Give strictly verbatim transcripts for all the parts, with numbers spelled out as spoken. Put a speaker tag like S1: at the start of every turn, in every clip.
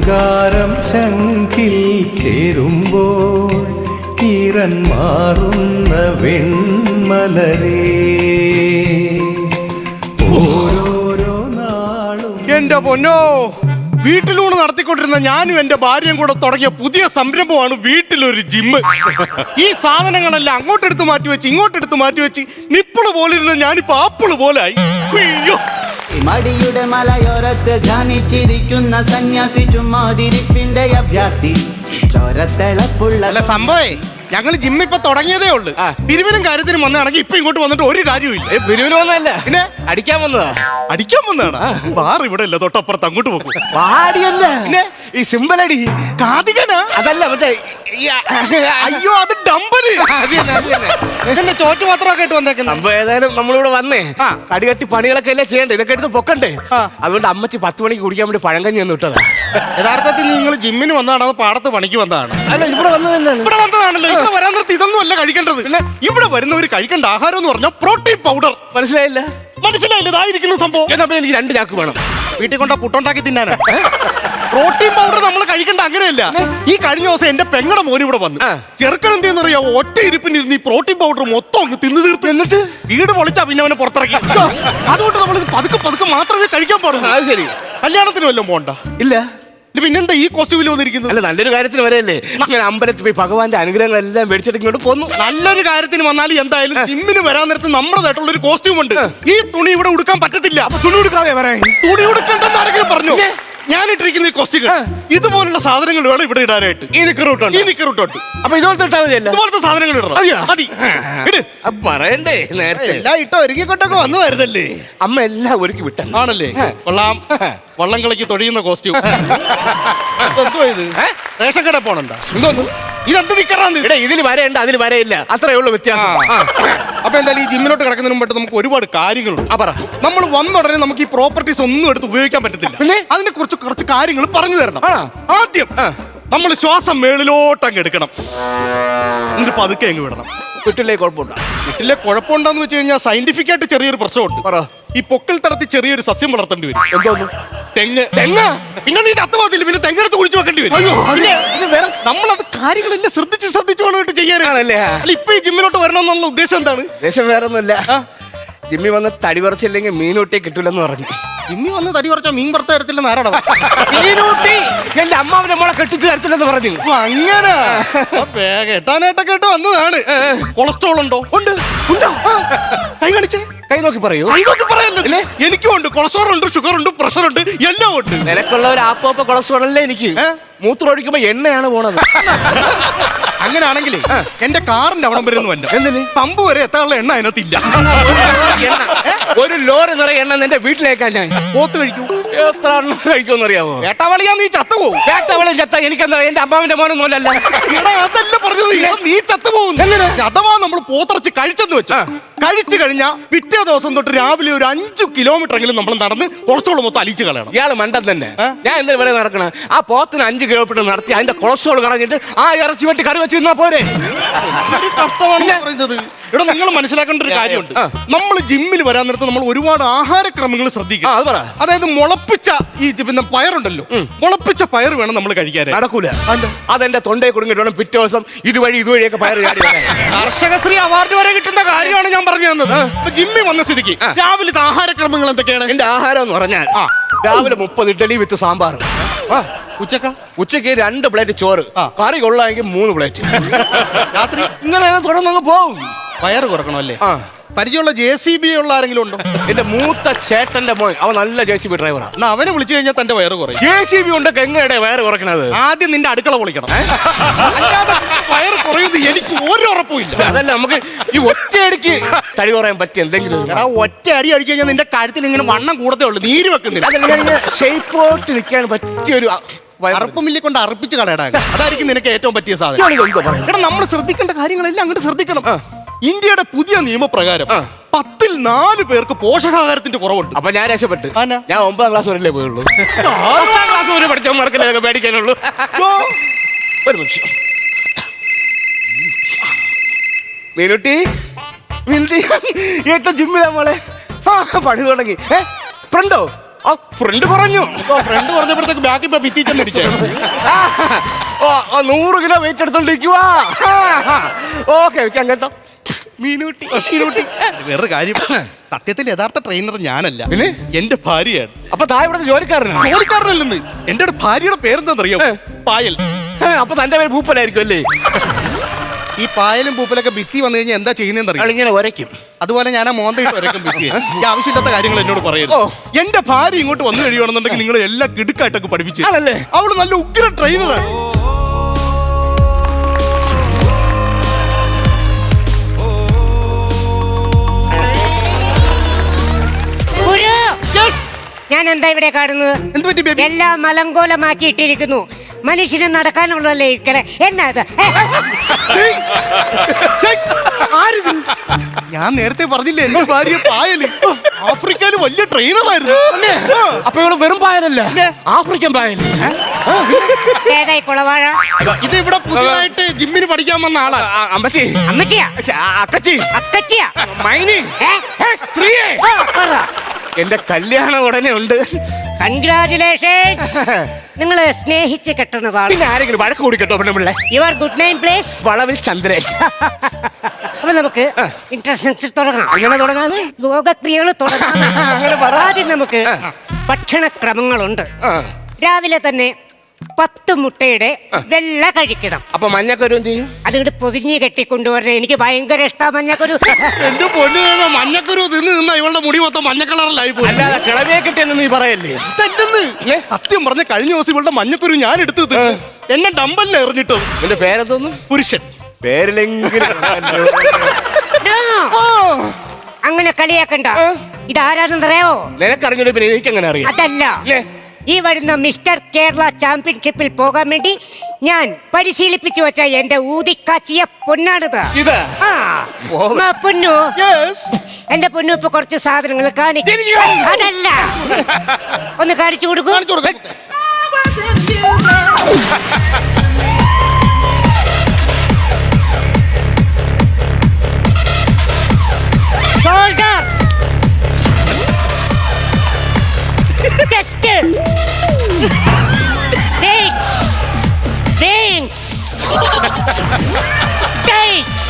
S1: ശൃംഗാരം ശംഖിൽ ചേരുമ്പോൾ ഈറൻ മാറുന്ന വെൺമലരേ ഓരോരോ നാളും.
S2: എന്റെ പൊന്നോ, വീട്ടിലൂടെ നടത്തിക്കൊണ്ടിരുന്ന ഞാനും എന്റെ ഭാര്യയും കൂടെ തുടങ്ങിയ പുതിയ സംരംഭമാണ് വീട്ടിലൊരു ജിമ്മ്. ഈ സാധനങ്ങളെല്ലാം അങ്ങോട്ടെടുത്ത് മാറ്റി വെച്ച് ഇങ്ങോട്ടെടുത്ത് മാറ്റി വെച്ച് നിപ്പിള് പോലിരുന്ന ഞാനിപ്പോ ആപ്പിള് പോലായി. അയ്യോ,
S3: മടിയുടെ മലയോരത്ത് ധ്യാനിച്ചിരിക്കുന്ന സന്യാസി ചുമ്മാതിരിപ്പിന്റെ അഭ്യാസി ചോരത്തിളപ്പുള്ള.
S2: അല്ല സംഭവേ, ഞങ്ങൾ ജിമ്മ് ഇപ്പൊ തുടങ്ങിയതേ ഉള്ളു. പിരിവിനും കാര്യത്തിനും വന്നാണെങ്കിൽ ഇപ്പൊ ഇങ്ങോട്ട് വന്നിട്ട് ഒരു കാര്യമില്ല.
S4: പിരിവിന് വന്നതല്ല, പിന്നെ അടിക്കാൻ വന്നതാ.
S2: അടിക്കാൻ വന്നതാണ്. ബാർ ഇവിടെ ഇല്ല, തൊട്ടപ്പുറത്ത് അങ്ങോട്ട് പോകും.
S4: പാടിയല്ല, പിന്നെ ഈ സിമ്പിൾ അടി.
S2: കാതികനാ?
S4: അതല്ല, മറ്റേ
S2: അയ്യോ, അത് ഡമ്പല്. എന്റെ ചോറ്റു പാത്രമൊക്കെ ആയിട്ട് വന്നേക്കുന്നത്.
S4: അപ്പൊ ഏതായാലും നമ്മളിവിടെ വന്നേ കടികട്ടി പണികളൊക്കെ അല്ലേ ചെയ്യണ്ടേ, ഇതൊക്കെ എടുത്ത് പൊക്കണ്ടേ. അതുകൊണ്ട് അമ്മച്ചി പത്ത് മണിക്ക് കുടിക്കാൻ വേണ്ടി പഴങ്കഞ്ഞി ഒന്ന് ഇട്ടതാ.
S2: യഥാർത്ഥത്തിൽ നിങ്ങൾ ജിമ്മിന് വന്നതാണ്, അത് പാടത്ത് പണിക്ക് വന്നതാണ്?
S4: അല്ല, ഇവിടെ വന്നതല്ലേ.
S2: ഇവിടെ വന്നതാണല്ലോ. ഇവിടെ വരാൻ നിർത്തി ഇതൊന്നും അല്ല കഴിക്കേണ്ടത്. ഇവിടെ വരുന്നവർ കഴിക്കേണ്ട ആഹാരം എന്ന് പറഞ്ഞാൽ പ്രോട്ടീൻ പൗഡർ.
S4: മനസ്സിലായില്ല?
S2: മനസ്സിലായില്ല, ഇതായിരിക്കുന്ന സംഭവം.
S4: എന്നാ പിന്നെ എനിക്ക് രണ്ട് ചാക്ക് വേണം.
S2: വീട്ടിൽ കൊണ്ടാ പുട്ടുണ്ടാക്കി തിന്നാനാ. പ്രോട്ടീൻ പൗഡർ നമ്മൾ കഴിക്കേണ്ട അങ്ങനെയല്ല. ഈ കഴിഞ്ഞ ദിവസം എന്റെ പെങ്ങടെ മോന് ഇവിടെ വന്നു. ചെറുക്കൻ എന്തെന്ന് അറിയാമോ, ഒറ്റ ഇരിപ്പിനിരുന്ന് ഈ പ്രോട്ടീൻ പൗഡർ മൊത്തം അങ്ങ് തിന്നു തീർത്തു. എന്നിട്ട് വീട് പൊളിച്ചാ പിന്നെ അവനെ പുറത്തിറക്കി. അതുകൊണ്ട് നമ്മൾ പതുക്കെ പതുക്കെ മാത്രമേ കഴിക്കാൻ പാടുള്ളൂ.
S4: അത് ശരി.
S2: കല്യാണത്തിന് വല്ലതും പോണ്ട?
S4: ഇല്ല.
S2: പിന്നെന്താ ഈ കോസ്റ്റ്യൂമിൽ വന്നിരിക്കുന്നത്?
S4: അല്ല, നല്ലൊരു കാര്യത്തിന് വരെയല്ലേ ഞാൻ അമ്പലത്തിൽ പോയി ഭഗവാന്റെ അനുഗ്രഹങ്ങളെല്ലാം മേടിച്ചിട്ട് ഇങ്ങോട്ട് പോന്നു.
S2: നല്ലൊരു കാര്യത്തിന് വന്നാൽ എന്തായാലും ജിമ്മിന് വരാൻ നേരത്ത് നമ്മുടേതായിട്ടുള്ള ഒരു കോസ്റ്റ്യൂം ഉണ്ട്. ഈ തുണി ഇവിടെ ഉടുക്കാൻ പറ്റത്തില്ല.
S4: തുണി ഉടുക്കാതെ വരാൻ.
S2: തുണി ഉടുക്കണ്ടെന്ന് ആരെങ്കിലും പറഞ്ഞു? ഞാനിട്ടിരിക്കുന്ന ഈ കോസ്റ്റ്യൂം ഇതുപോലുള്ള സാധനങ്ങൾ വേണം ഇവിടെ ഇടാനായിട്ട്.
S4: ഈ നിക്കറൂട്ടുണ്ട്,
S2: ഈ നിക്കറൂട്ടുണ്ട്.
S4: അപ്പൊ ഇതുപോലത്തെ ഇട്ടാൽ മതിയല്ല?
S2: ഇതുപോലത്തെ സാധനങ്ങൾ ഇടണം. മതി. ഇട്.
S4: പറയണ്ടേ നേരത്തെ.
S2: എല്ലാം ഇട്ടോ ഒരുക്കിക്കൊണ്ടൊക്കെ വന്നതായിരുന്നല്ലേ?
S4: അമ്മ എല്ലാം ഒരുക്കി വിട്ട
S2: ആണല്ലേ? കൊള്ളാം. വള്ളം കളിക്ക് തൊഴിയുന്ന കോസ്റ്റ്യൂം. എന്തോ ഇത്? റേഷൻ കട പോണണ്ട?
S4: എന്തോന്നു
S2: ഇതെന്ത് നിക്കറാന്ന്?
S4: ഇതിൽ വരയുണ്ട്, അതിൽ വരയില്ല, അത്രേ ഉള്ളൂ വ്യത്യാസം.
S2: അപ്പൊ എന്തായാലും ഈ ജിമ്മിലോട്ട് കിടക്കുന്നതിന് മുമ്പ് നമുക്ക് ഒരുപാട് കാര്യങ്ങളുണ്ട്. നമ്മൾ വന്ന ഉടനെ നമുക്ക് ഈ പ്രോപ്പർട്ടീസ് ഒന്നും എടുത്ത് ഉപയോഗിക്കാൻ പറ്റത്തില്ല. അതിനെ കുറിച്ച് കുറച്ച് കാര്യങ്ങൾ പറഞ്ഞു തരണം. ആദ്യം നമ്മൾ ശ്വാസം മേളിലോട്ട് അങ്ങ് എടുക്കണം, എന്നിട്ട് പതുക്കെ അങ്ങ് വിടണം.
S4: വീട്ടിലെ കുഴപ്പമുണ്ടോ?
S2: വീട്ടിലെ കുഴപ്പമുണ്ടോന്ന് വെച്ച് കഴിഞ്ഞാൽ സയന്റിഫിക് ആയിട്ട് ചെറിയൊരു പ്രശ്നമുണ്ട്. ഈ പൊക്കിൽ തടത്തി ചെറിയൊരു സസ്യം വളർത്തേണ്ടി വരും. എന്തോന്നു? തെങ്ങ്. തെങ്ങ് പിന്നെ നീ ചത്തുപോകത്തില്ല, പിന്നെ തെങ്ങെടുത്ത് കുഴിച്ചു വെക്കേണ്ടി വരും. നമ്മളത് കാര്യങ്ങളെല്ലാം ശ്രദ്ധിച്ച് ശ്രദ്ധിച്ചു വേണം ചെയ്യാനാണല്ലേ. അല്ല, ഇപ്പൊ ഈ ജിമ്മിലോട്ട് വരണമെന്നുള്ള ഉദ്ദേശം എന്താണ്?
S4: ഉദ്ദേശം വേറെ ഒന്നുമില്ല. ജിമ്മി വന്ന് തടി പറിച്ചില്ലെങ്കിൽ മീനൂട്ടി കിട്ടൂലെന്ന് പറഞ്ഞു.
S2: ജിമ്മി വന്ന് തടി പറിച്ചാൽ മീൻ പുറത്ത് തരത്തില്ലെന്ന് ആരാടാ?
S4: മീനൂട്ടി എന്റെ അമ്മാവിന്റെ മോളെ കെട്ടിച്ച് തരത്തില്ലെന്ന് പറഞ്ഞു.
S2: അങ്ങനെ കേട്ടാനായിട്ടൊക്കെ കേട്ട് വന്നതാണ്. കൊളസ്ട്രോൾ ഉണ്ടോ? ഉണ്ട്. ഉണ്ടോ? കൈ കാണിച്ചേ.
S4: കൈ നോക്കി പറയൂ.
S2: കൈ നോക്കി പറയല്ലേ? എനിക്കും ഉണ്ട്. കൊളസ്ട്രോൾ ഉണ്ട്, ഷുഗർ ഉണ്ട്, പ്രഷർ ഉണ്ട്, എല്ലാം ഉണ്ട്.
S4: നിനക്കുള്ള ഒരു ആപ്പോപ്പ കൊളസ്ട്രോൾ അല്ലേ എനിക്ക്? മൂത്രം ഒഴിക്കുമ്പോ എണ്ണയാണ് പോണത്.
S2: അങ്ങനെയാണെങ്കിലേ എന്റെ കാറിന്റെ അവിടം വരെ ഒന്ന് വന്നു. എന്തിന്? പമ്പ് വരെ എത്താനുള്ള എണ്ണ അതിനകത്തില്ല.
S4: ഒരു ലോറി നിറയെ എണ്ണ നിന്റെ വീട്ടിലേക്കാൻ ഞാൻ
S2: പോത്ത് കഴിക്കൂ.
S4: എത്ര എണ്ണം കഴിക്കുമെന്ന് അറിയാമോ?
S2: വേട്ടവളിയാ നീ ചത്തുപോകും.
S4: വേട്ടവളി ചത്ത എനിക്കെന്താ? എന്റെ അമ്മാവിന്റെ മോനൊന്നും അല്ലല്ല.
S2: അതല്ല പറഞ്ഞത്, നീ ചത്തുപോകും. അഥവാ നമ്മൾ പോത്തിറച്ചി കഴിച്ചെന്ന് വെച്ചു, കഴിച്ചു കഴിഞ്ഞാൽ പിറ്റേ ദിവസം തൊട്ട് രാവിലെ ഒരു അഞ്ചു കിലോമീറ്റർ എങ്കിലും നമ്മൾ നടന്ന് കൊളസ്ട്രോൾ മൊത്തം അലിച്ചു കളയണം.
S4: ഇയാള് മണ്ടൻ തന്നെ. ഞാൻ എന്തിനു വരെ നടക്കണം? ആ പോത്തിന് അഞ്ചു കിലോമീറ്റർ നടത്തി അതിന്റെ കൊളസ്ട്രോൾ കളഞ്ഞിട്ട് ആ ഇറച്ചി വെട്ടി കറി വെച്ച് തിന്നാ പോരെ?
S2: കഷ്ടമാണ് പറയുന്നത്. ഇവിടെ നിങ്ങൾ മനസ്സിലാക്കേണ്ട ഒരു കാര്യമുണ്ട്. നമ്മൾ ജിമ്മിൽ വരാൻ നേരത്ത് നമ്മൾ ഒരുപാട് ആഹാരക്രമങ്ങൾ ശ്രദ്ധിക്കണം. അതായത് മുളപ്പിച്ച ഈ പിന്നെ പയറുണ്ടല്ലോ, മുളപ്പിച്ച പയർ വേണം നമ്മൾ കഴിക്കാൻ.
S4: നടക്കൂല. അതെന്റെ തൊണ്ടയെ കുടുങ്ങിട്ട് വേണം പിറ്റേ ദിവസം ഇതുവഴി ഇതുവഴിയൊക്കെ പയർ ചാടി.
S2: കർഷകശ്രീ അവാർഡ് വരെ കിട്ടുന്ന കാര്യമാണ് ഞാൻ പറഞ്ഞു തന്നത്. ജിമ്മിൽ വന്ന സ്ഥിതിക്ക് രാവിലത്തെ ആഹാരക്രമങ്ങൾ എന്തൊക്കെയാണ്?
S4: എന്റെ ആഹാരം എന്ന് പറഞ്ഞാൽ രാവിലെ മുപ്പത് ഇഡ്ഡലി വിത്ത് സാമ്പാർ.
S2: ഉച്ചക്ക
S4: ഉച്ചക്ക് രണ്ട് പ്ലേറ്റ് ചോറ്, കറി കൊള്ളാമെങ്കിൽ മൂന്ന് പ്ലേറ്റ്.
S2: രാത്രി
S4: ഇങ്ങനെ തുടർന്നങ്ങ് പോവും.
S2: വയറ് കുറക്കണമല്ലേ? പരിചയമുള്ള ജെ സി ബി ഉള്ള ആരെങ്കിലും ഉണ്ടോ?
S4: എന്റെ മൂത്ത ചേട്ടന്റെ മോൻ, അവൻ നല്ല ജെ സി ബി ഡ്രൈവറാണ്.
S2: എന്നാ അവനെ വിളിച്ചു കഴിഞ്ഞാൽ തന്റെ വയറ് കുറയും.
S4: ജെ സി ബി ഉണ്ടൊക്കെ എങ്ങനെയാ വയറ് കുറക്കണത്?
S2: ആദ്യം നിന്റെ അടുക്കള പൊളിക്കണം, അല്ലാതെ വയറ് കുറയുന്നത് എനിക്ക് ഒരു ഉറപ്പുമില്ല.
S4: അതല്ല, നമുക്ക് ഈ ഒറ്റയടിക്ക് തടി കുറയാൻ പറ്റിയ എന്തെങ്കിലും.
S2: ഒറ്റ അടി അടിച്ചു കഴിഞ്ഞാൽ നിന്റെ കാര്യത്തിൽ ഇങ്ങനെ വണ്ണം കൂടത്തേ ഉള്ളൂ, നീര് വെക്കുന്നില്ല.
S4: അതങ്ങനെ ഷേപ്പോട്ട് നിൽക്കാൻ പറ്റിയൊരു
S2: അറപ്പുമില്ലി കൊണ്ട് അർപ്പിച്ച് കളയടാൻ. അതായിരിക്കും നിനക്ക് ഏറ്റവും പറ്റിയ സാധനം. എടാ, നമ്മൾ ശ്രദ്ധിക്കേണ്ട കാര്യങ്ങളെല്ലാം അങ്ങോട്ട് ശ്രദ്ധിക്കണം. ഇന്ത്യയുടെ പുതിയ നിയമപ്രകാരം പത്തിൽ നാല് പേർക്ക് പോഷകാഹാരത്തിന്റെ കുറവുണ്ട്.
S4: അപ്പൊ ഞാൻ രക്ഷപ്പെട്ട്. ഞാൻ ഒമ്പതാം ക്ലാസ് വരെയല്ലേ പോയുള്ളൂ. ഒമ്പതാം ക്ലാസ് വരെ പഠിച്ചവന്മാർക്കല്ലേ പേടിക്കാനുള്ളൂ. ഒരു നിമിഷം. മീനുട്ടി മീനുട്ടി ഏട്ട ജിമ്മിലാ മോളെ. പണി തുടങ്ങി. ഏ ഫ്രണ്ടോ? ആ ഫ്രണ്ട് പറഞ്ഞു.
S2: ഫ്രണ്ട് പറഞ്ഞപ്പോഴത്തേക്ക് ബാക്കി ഇപ്പൊ ഭിത്തി ചെന്നടിച്ചേ.
S4: ഓ ഓ, നൂറ് കിലോ വെയിറ്റ് എടുത്തോണ്ടിരിക്കുവാ. ഓക്കെ ഓക്കെ അങ്ങനത്തെ മീനൂട്ടി മീനൂട്ടി.
S2: വേറൊരു കാര്യം, സത്യത്തിൽ യഥാർത്ഥ ട്രെയിനർ ഞാനല്ല,
S4: പിന്നെ?
S2: എന്റെ ഭാര്യയാണ്.
S4: അപ്പൊ താഴെ ഇവിടുത്തെ ജോലിക്കാരനാണ്.
S2: ജോലിക്കാരനല്ലെന്ന്, എന്റെ ഭാര്യയുടെ പേരെന്താണെന്നറിയോ? പായൽ.
S4: ഏ, അപ്പൊ തന്റെ പേര് ഭൂപ്പലായിരിക്കും അല്ലേ?
S2: ഈ പായലും പൂപ്പലൊക്കെ ഭിത്തി വന്നു കഴിഞ്ഞാൽ എന്താ ചെയ്യുന്നതെന്നറിയോ?
S4: ഇങ്ങനെ ഒരയ്ക്കും.
S2: അതുപോലെ ഞാൻ ആ മോന്തയിട്ട് വരയ്ക്കും ഭിത്തി. ഈ ആവശ്യമില്ലാത്ത കാര്യങ്ങൾ എന്നോട് പറയരുത്.
S4: ഓ.
S2: എന്റെ ഭാര്യ ഇങ്ങോട്ട് വന്നു കഴിയുകയാണെന്നുണ്ടെങ്കിൽ നിങ്ങൾ എല്ലാം കിടുക്കായിട്ടൊക്കെ പഠിപ്പിച്ചു.
S4: ആണല്ലേ?
S2: അവള് നല്ല ഉഗ്ര ട്രെയിനറാണ്.
S5: ഞാൻ എന്താ ഇവിടെ കാണുന്നത്?
S2: എന്ത് പറ്റി ബേബി?
S5: എല്ലാം മലങ്കോലമാക്കി ഇട്ടിരിക്കുന്നു. മനുഷ്യന് നടക്കാനുള്ളതല്ലേ ഇരിക്കണേ. എന്നാ ഇത്?
S2: ഞാൻ നേരത്തെ പറഞ്ഞില്ലേ എന്റെ ഭാര്യ പായല് ആഫ്രിക്കയില് വലിയ ട്രെയിനറായിരുന്നു.
S4: അപ്പൊ ഇവള് വെറും പായലല്ല, ആഫ്രിക്കൻ പായൽ.
S5: ഏതായി കുളവാഴ?
S2: ഇത് ഇവിടെ പുതിയതായിട്ട് ജിമ്മിന് പഠിക്കാൻ വന്ന ആളാ.
S4: അമ്മച്ചി,
S5: അമ്മച്ചിയാ?
S4: അക്കച്ചി,
S5: അക്കച്ചിയാ?
S4: മൈനി,
S5: ഏ?
S4: ഏ, സ്ത്രീയെ.
S5: ആ, പറ.
S4: എന്റെ കല്യാണം ഉടനെ ഉണ്ട്.
S5: കൺഗ്രാറ്റുലേഷൻ. നിങ്ങള് സ്നേഹിച്ച് കെട്ടുന്നതാണ്.
S4: പിന്നെ ആരെങ്കിലും വഴക്ക് കൂടി കേട്ടോ പെണ്ണുപിള്ളേ?
S5: Your good name place?
S4: വളവിൽ ചന്ദ്രൻ.
S5: അപ്പൊ നമുക്ക് ഇൻട്രസ്റ്റ് തുടങ്ങാം.
S4: അങ്ങനെ തുടങ്ങാതെ
S5: യോഗക്രിയകൾ തുടങ്ങാം.
S4: അങ്ങനെ പറ.
S5: ആദ്യം നമുക്ക് ഭക്ഷണക്രമങ്ങളുണ്ട്.
S4: ആ.
S5: രാവിലെ തന്നെ പത്ത് മുട്ടയുടെ വെള്ള കഴിക്കണം.
S4: അപ്പൊ മഞ്ഞക്കരു എന്ത് ചെയ്യും?
S5: അതുകൊണ്ട് പൊതിഞ്ഞ് കെട്ടിക്കൊണ്ടുവരണേ. എനിക്ക് ഭയങ്കര ഇഷ്ടമാണ് മഞ്ഞക്കൊരു.
S2: എന്റെ പൊന്നു മഞ്ഞക്കുരു തിന്ന് നിന്ന ഇവളുടെ മുടി മൊത്തം മഞ്ഞ കളറിലായി പോയി.
S4: അല്ലാതെ കിളവിയെ കിട്ടിയെന്ന് നീ പറയല്ലേ?
S2: തെറ്റെന്ന്. സത്യം പറഞ്ഞ കഴിഞ്ഞ ദിവസം ഇവളുടെ മഞ്ഞക്കുരു ഞാൻ എടുത്തത് എന്നെ ഡമ്പല്ല എറിഞ്ഞിട്ടത്.
S4: നിന്റെ പേരെന്തോന്നും?
S2: പുരുഷൻ.
S4: പേരിലെങ്കിലും
S5: No. അങ്ങനെ കളിയാക്കണ്ട. ഇതാരാണെന്നറിയാവോ?
S4: നിനക്കറിഞ്ഞൂടെ പിന്നെ എനിക്ക് എങ്ങനെ അറിയാം?
S5: അതല്ല, ഈ വരുന്ന മിസ്റ്റർ കേരള ചാമ്പ്യൻഷിപ്പിൽ പോകാൻ വേണ്ടി ഞാൻ പരിശീലിപ്പിച്ചു വെച്ച എന്റെ ഊതിക്കാച്ചിയ പൊന്നാണിത്.
S4: ഇത്
S5: ആ,
S4: ഓ.
S5: ആ, പൊന്നു.
S2: Yes.
S5: എന്റെ പൊന്നു ഇപ്പൊ കുറച്ച് സാധനങ്ങൾ കാണിക്കും. അതല്ല, ഒന്ന് കാണിച്ചു കൊടുക്കൂ.
S2: കാണിച്ചു കൊടുക്ക്.
S5: Shoulder, chest, legs, wings, tights.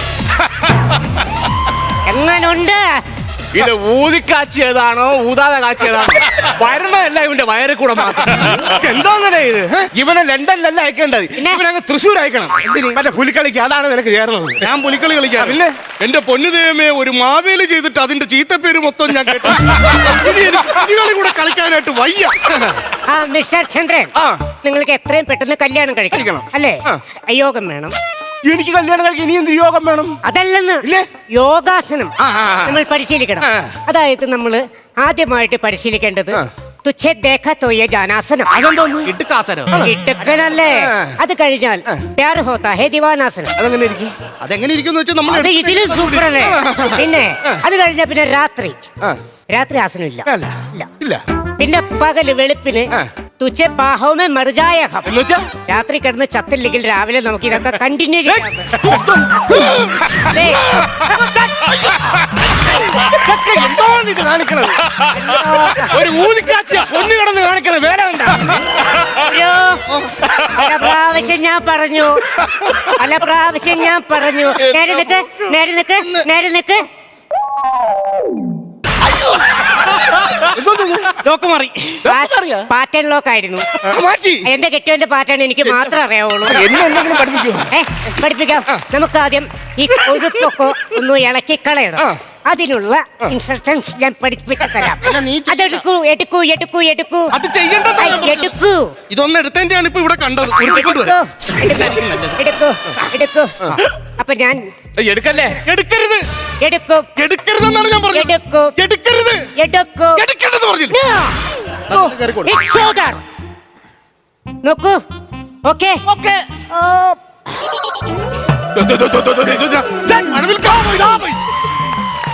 S5: എങ്ങനുണ്ട്?
S4: ഇത് ഊതിക്കാച്ചിയതാണോ ഊതാതെ കാച്ചിയതാണോ? വരണല്ല ഇവന്റെ വയറിൽ കൂടെ മാത്രം. എന്താ അങ്ങനെ ഇത്? ഇവനെ ലണ്ടനിലല്ല അയക്കേണ്ടത്, ഇവനങ്ങ് തൃശ്ശൂർ അയക്കണം. മറ്റേ പുലിക്കളിക്ക്. അതാണ് നിനക്ക് ചേർന്നത്.
S2: ഞാൻ പുലിക്കളി കളിക്കാറില്ല. എന്റെ പൊന്നു ദൈവമേ, ഒരു മാവേലി ചെയ്തിട്ട് അതിന്റെ ചീത്തപ്പേര് മൊത്തം ഞാൻ കേട്ടു. ഇനി എനിക്ക് പുലികളി കൂടെ കളിക്കാനായിട്ട് വയ്യ.
S5: ആ മിസ്റ്റർ ചന്ദ്രൻ,
S4: ആ.
S5: നിങ്ങൾക്ക് എത്രയും പെട്ടെന്ന് കല്യാണം കഴിക്കണം
S4: കഴിക്കണം.
S5: അല്ലേ?
S4: ആ.
S5: യോഗം വേണം.
S4: എനിക്ക് കല്യാണം കഴിക്കാൻ ഇനി എന്ത് യോഗം വേണം?
S5: അതല്ലെന്ന്,
S4: ഇല്ലേ?
S5: യോഗാസനം
S4: ആ, ആ, ആ.
S5: നമ്മൾ പരിശീലിക്കണം.
S4: ആ.
S5: അതായത് നമ്മൾ ആദ്യമായിട്ട് പരിശീലിക്കേണ്ടത്
S4: ആ.
S5: തുച്ഛേ ദേഖ തോയ ജാനാസനം.
S4: അതെന്തോന്ന്?
S2: ഇട്ടുകാസനോ?
S5: ഇട്ടക്കനല്ലേ?
S4: ആ.
S5: അത് കഴിഞ്ഞാൽ പ്യാർ ഹോത്താ ഹേ ദിവാനാസനം.
S4: അതെങ്ങനെ ഇരിക്കും?
S2: അതെങ്ങനെ ഇരിക്കുന്നു വെച്ചാൽ നമ്മൾ
S5: അത് ഇതിലും സൂപ്പറല്ലേ? പിന്നെ അത് കഴിഞ്ഞാൽ പിന്നെ രാത്രി
S4: ആ.
S5: രാത്രി ആസനം ഇല്ല.
S4: അല്ല.
S5: ഇല്ല.
S4: ഇല്ല.
S5: പിന്നെ പകല് വെളുപ്പിന്
S4: ആ.
S5: തുച്ഛേ പാഹവുമേ മറുജായഹം.
S4: എന്നുവെച്ചാ
S5: രാത്രി കിടന്ന് ചത്തില്ലെങ്കിൽ രാവിലെ നമുക്ക് ഇതൊക്കെ കണ്ടിന്യൂ ചെയ്യാം. ദേ,
S4: ഇതൊക്കെ എന്തോന്ന് ഇത് കാണിക്കണത്? ഒരു ഊതിക്കാച്ചിയ പൊന്നു കിടന്ന് കാണിക്കണത് വേല കണ്ട?
S5: അയ്യോ, പല പ്രാവശ്യം ഞാൻ പറഞ്ഞു, പല പ്രാവശ്യം ഞാൻ പറഞ്ഞു. നേരെ നിക്ക്, നേരെ നിക്ക്, നേരെ നിക്ക്.
S2: ലോക്ക് മാറി.
S5: പാറ്റേൺ ലോക്ക് ആയിരുന്നു.
S4: മാറ്റി.
S5: എന്റെ കെട്ടിയവന്റെ പാറ്റേൺ എനിക്ക് മാത്രമേ അറിയാവുള്ളൂ.
S4: എന്നെ എന്തെങ്കിലും പഠിപ്പിക്കോ?
S5: ഏ, പഠിപ്പിക്കാം. നമുക്ക് ആദ്യം ഈ കൊഴുപ്പൊക്കെ ഒന്ന് ഇളക്കി കളയണം. അതിനുള്ള ഇൻസ്ട്രക്ഷൻസ് ഞാൻ പഠിപ്പിച്ചു തരാം.
S2: നീ
S5: അതെടുക്കൂ, എടുക്കൂ, എടുക്കൂ, എടുക്കൂ.
S2: അത് ചെയ്യേണ്ടത്
S5: ഐ, എടുക്കൂ.
S2: ഇതൊന്നും എടുത്തതിന്റെയാണ് ഇപ്പൊ ഇവിടെ കണ്ടത്. ഉരുട്ടിക്കൊണ്ട്
S5: എടുക്കൂ,
S2: വരാം.
S5: എടുക്കൂ, എടുക്കൂ. അപ്പൊ ഞാൻ
S4: എടുക്കല്ലേ?
S2: എടുക്കരുത്.
S5: എടുക്കും,
S2: എടുക്കരുതെന്നാണ് ഞാൻ പറഞ്ഞത്.
S5: എടുക്കും,
S2: എടുക്കരുത്.
S5: എടുക്കും.
S2: എടുക്കരുത് പറഞ്ഞില്ല.
S5: No. It's shoulder. നോക്കൂ. ഓക്കേ.
S4: ഓക്കേ.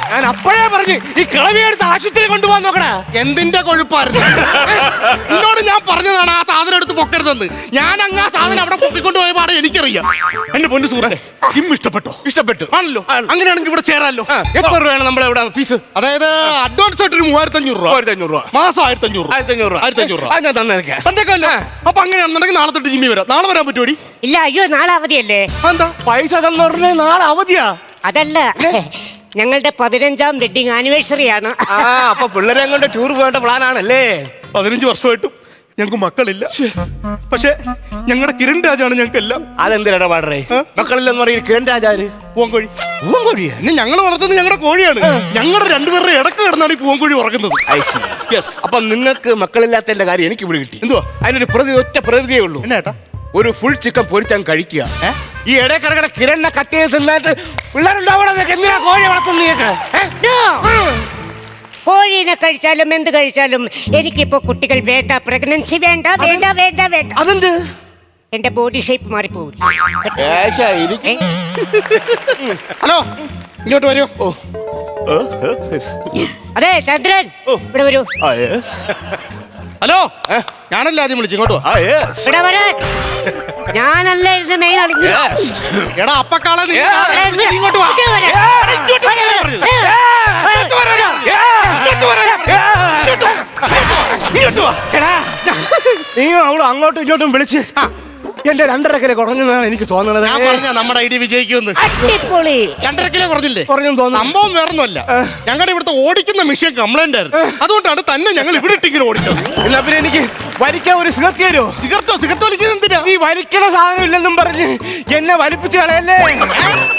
S4: ഞാൻ അപ്പോഴേ പറഞ്ഞു ഈ കിളവിയെടുത്ത് ആശുപത്രി കൊണ്ടുപോകാൻ നോക്കണേ.
S2: എന്തിന്റെ കൊഴുപ്പായിരുന്നു? എന്നോട് ഞാൻ പറഞ്ഞതാണ് ആ സാധനം എടുത്ത് പൊക്കരുതെന്ന്. ഞാൻ അങ്ങ് ആ സാധനം അവിടെ പൊക്കിക്കൊണ്ട് പോയ പാടെ എനിക്കറിയാം. എന്റെ പൊന്നു സുഹൃത്തെ, ജിം ഇഷ്ടപ്പെട്ടോ?
S4: ഇഷ്ടപ്പെട്ടു.
S2: ആണല്ലോ. അങ്ങനെയാണെങ്കിൽ ഇവിടെ ചേരാമല്ലോ.
S4: ആ, എത്ര രൂപയാണ് നമ്മുടെ ഇവിടെ ഫീസ്?
S2: അതായത് അഡ്വാൻസ് ആയിട്ട് ഒരു മൂവായിരത്തി അഞ്ഞൂറ് രൂപ,
S4: ആയിരത്തി അഞ്ഞൂറ് രൂപ,
S2: മാസം ആയിരത്തി അഞ്ഞൂറ്
S4: ആയിരത്തി അഞ്ഞൂറ് രൂപ,
S2: ആയിരത്തി അഞ്ഞൂറ് രൂപ
S4: അത് ഞാൻ തന്നേക്കാം.
S2: തന്നേക്കല്ലോ. അപ്പൊ അങ്ങനെയാണെന്നുണ്ടെങ്കിൽ നാളെ തൊട്ട് ജിമ്മി വരാം. നാളെ വരാൻ പറ്റുമോടി?
S5: ഇല്ല, അയ്യോ നാളെ അവധിയല്ലേ.
S2: എന്താ
S4: പൈസ തന്നു പറഞ്ഞ നാളെ അവധിയാ.
S5: അതല്ല, ഞങ്ങളുടെ പതിനഞ്ചാം വെഡിങ് ആനിവേഴ്സറി ആണ്.
S4: ആ, അപ്പൊ പിള്ളേരെ കൊണ്ട് ടൂർ പോകേണ്ട പ്ലാൻ ആണല്ലേ?
S2: പതിനഞ്ച് വർഷമായിട്ടും ഞങ്ങൾക്ക് മക്കളില്ല. പക്ഷെ ഞങ്ങളുടെ കിരൺ രാജാണ് ഞങ്ങൾക്ക് എല്ലാം.
S4: അതെന്തിനാ പാടറേ? മക്കളില്ലെന്ന് പറയും കിരൺ രാജാര്
S2: പൂവൻകോഴി.
S4: പൂവൻകോഴിയാ?
S2: പിന്നെ ഞങ്ങൾ വളർത്തുന്നത് ഞങ്ങളുടെ കോഴിയാണ്. ഞങ്ങളുടെ രണ്ടുപേരുടെ ഇടക്ക് കിടന്നാണ് ഈ പൂവൻകോഴി ഉറങ്ങുന്നത്.
S4: യെസ്. അപ്പൊ നിങ്ങൾക്ക് മക്കളില്ലാത്തതിന്റെ കാര്യം എനിക്ക് ഇവിടെ കിട്ടി.
S2: എന്തുവാ?
S4: അതിനൊരു പ്രതി ഒറ്റ പ്രതിയേ ഉള്ളൂ.
S2: എന്നാ ഏട്ടാ?
S4: ഒരു ഫുൾ ചിക്കൻ പൊരിച്ചാൻ കഴിക്കുക. ഈ ഇടയിൽ കിടക്കുന്ന കിരണിനെ കട്ട് ചെയ്ത് തിന്നിട്ട് പിള്ളേരുണ്ടാവണം. എന്തിനാ കോഴി വളർത്തുന്നീക്ക്?
S5: No! കോഴീനെ കഴിച്ചാലും എന്ത് കഴിച്ചാലും എനിക്കിപ്പോ കുട്ടികൾ വേണ്ട, പ്രഗ്നൻസി വേണ്ട, വേണ്ട വേണ്ട വേണ്ട.
S4: അതെന്ത്?
S5: എന്റെ ബോഡി ഷേപ്പ് മാറിപ്പോകും.
S2: ഹലോ, ഇങ്ങോട്ട് വരൂ.
S4: ഓ,
S5: അതെ ചന്ദ്രൻ, ഇവിടെ വരൂ.
S2: ഹലോ, ഞാനല്ല ആദ്യം വിളിച്ചു. ഇങ്ങോട്ട് വാ.
S5: ഇവിടെ വരാൻ. ഞാനല്ല ഇതിന്റെ മെയിൻ അളിഞ്ഞു.
S2: എടാ അപ്പക്കാളെ നീ ഇങ്ങോട്ട് വാ. ഇങ്ങോട്ട് വരാനാ പറഞ്ഞത്. ഇങ്ങോട്ട് വരാനാ. ഇങ്ങോട്ട് വരാനാ. ഇങ്ങോട്ട് വാ. ഇങ്ങോട്ട് വാ.
S4: എടാ, നീ അവള് അങ്ങോട്ടും ഇങ്ങോട്ടും വിളിച്ച് എന്റെ രണ്ടര കിലോ കുറഞ്ഞതാണ് എനിക്ക് തോന്നുന്നത്.
S2: ഞാൻ പറഞ്ഞ നമ്മുടെ ഐഡിയ വിജയിക്കുമെന്ന്.
S5: അടിപൊളി.
S2: രണ്ടര കിലോ കുറഞ്ഞില്ലേ?
S4: കുറഞ്ഞു തോന്നുന്നു.
S2: സംഭവം വേറൊന്നുമല്ല, ഞങ്ങളുടെ ഇവിടുത്തെ ഓടിക്കുന്ന മെഷീൻ കംപ്ലൈന്റ് ആയിരുന്നു. അതുകൊണ്ടാണ് തന്നെ ഞങ്ങൾ ഇവിടെ ഇട്ടിങ്ങനെ ഓടിച്ചത്.
S4: എന്നാ പിന്നെ എനിക്ക് വലിക്കാൻ ഒരു സിഗരറ്റ് തരുമോ?
S2: സിഗരറ്റോ? സിഗരറ്റ് വലിക്കുന്നത് എന്തിനാ?
S4: നീ വലിക്കണ സാധനം ഇല്ലെന്നും പറഞ്ഞ് എന്നെ വലിപ്പിച്ച് കളയല്ലേ.